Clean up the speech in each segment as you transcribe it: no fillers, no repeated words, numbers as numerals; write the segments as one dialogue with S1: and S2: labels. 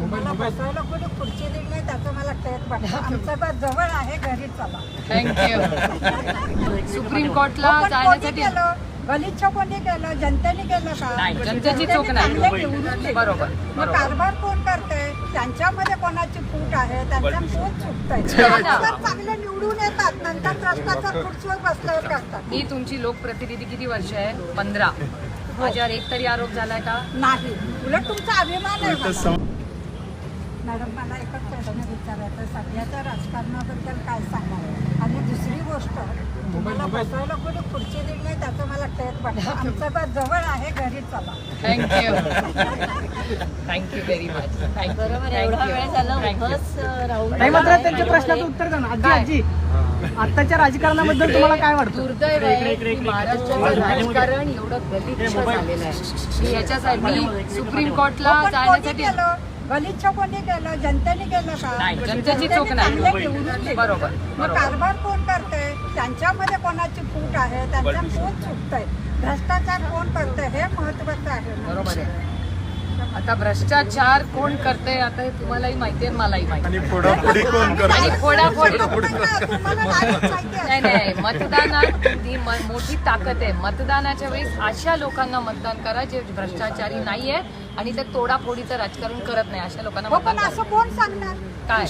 S1: तुम्हाला बसायला कोणी खुर्ची दिली नाही त्याचं मला खेळ वाटतं. आमचं बस जवळ आहे, घरी चला.
S2: थँक्यू. सुप्रीम कोर्टला
S1: पण कोणी
S2: जाण्यासाठी
S1: केलं? गलिच्छ कोणी केलं? जनतेने केलं का?
S2: नाही, जनतेची चूक नाही.
S1: चांगले निवडून दिले.
S2: बरोबर,
S1: मग
S2: बरोबर.
S1: कारभार कोण करतंय? त्यांच्यामध्ये कोणाची फूट आहे? त्यांच्या कोण चुकतंय? चांगले निवडून येतात, नंतर भ्रष्टाचार खुर्चीवर बसल्यावर करतात.
S2: मी तुमची लोकप्रतिनिधी किती वर्ष आहे? 15. माझ्यावर एक तरी आरोप झालाय का?
S1: नाही, उलट तुमचा अभिमान आहे मला. मॅडम, मला एकच प्रश्न विचारायचा, सध्याच्या राजकारणाबद्दल काय सांगाल? आणि दुसरी गोष्ट, तुम्हाला बसायला कोणी खुर्ची दिली नाही त्याचं मला खेळ वाटतं. आमचं बस जवळ आहे, घरी चला.
S2: थँक्यू. Thank you very much.
S3: बरोबर आहे, एवढा वेळ झाला उभंच राहून.
S4: नाही, मात्र त्यांच्या प्रश्नाचं उत्तर द्या ना. आजी आताच्या राजकारणाबद्दल तुम्हाला काय वाटतं?
S2: दुर्दैव आहे की महाराष्ट्राचं राजकारण एवढं गलिच्छ झालेलं आहे की याच्यासाठी सुप्रीम कोर्टला
S1: पण कोणी
S2: जाण्यासाठी
S1: केलं? गलिच्छ कोणी केलं? जनतेने केलं का?
S2: नाही, जनतेची चूक
S1: चांगले
S2: नाही.
S1: निवडून दिले.
S2: बरोबर,
S1: मग
S2: बरोबर.
S1: कारभार कोण करतंय? त्यांच्यामध्ये कोणाची फूट आहे? त्यांच्या कोण चुकतंय? भ्रष्टाचार कोण करतंय हे महत्वाचं आहे.
S2: बरोबर आहे. आता भ्रष्टाचार कोण करते आता हे तुम्हालाही माहिती आहे, मलाही माहिती आहे.
S5: आणि फोडाफोडी कोण करतं?
S2: आणि फोडाफोडी
S1: तुम्हाला नाही माहिती आहे.
S2: नाही नाही, मतदानात ती मोठी ताकद आहे. मतदानाच्या वेळेस अशा लोकांना मतदान करा जे भ्रष्टाचारी नाही आहेत आणि ते तोडाफोडीचं राजकारण करत नाही, अशा लोकांना
S1: हो,
S2: मतदान
S1: पण असं
S2: करा.
S1: कोण सांगणार?
S2: काय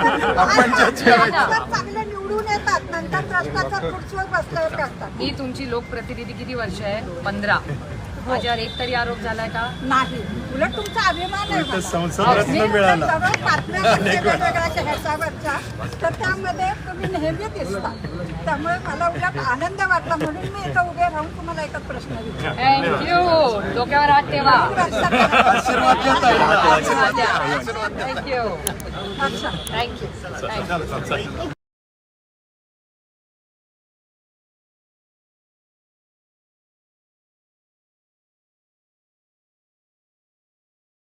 S1: अगोदर चांगले निवडून येतात, नंतर भ्रष्टाचार खुर्चीवर बसल्यावर करतात.
S2: मी तुमची लोकप्रतिनिधी किती वर्ष आहे? 15. माझ्यावर एक तरी आरोप झालाय का?
S1: नाही, उलट तुमचा अभिमान आहे मला.
S5: संसदरत्न मिळाला.
S1: जवळ बातम्या बघते वेगवेगळ्या ह्याच्यावरच्या, तर त्यामध्ये तुम्ही नेहमी दिसता. त्यामुळे मला उलट आनंद वाटला, म्हणून मी इथं उभे राहून तुम्हाला एकच प्रश्न विचारला.
S2: थँक्यू. डोक्यावर हात ठेवा.
S5: आशीर्वाद
S2: थँक्यू.
S1: अच्छा.
S2: थँक्यू.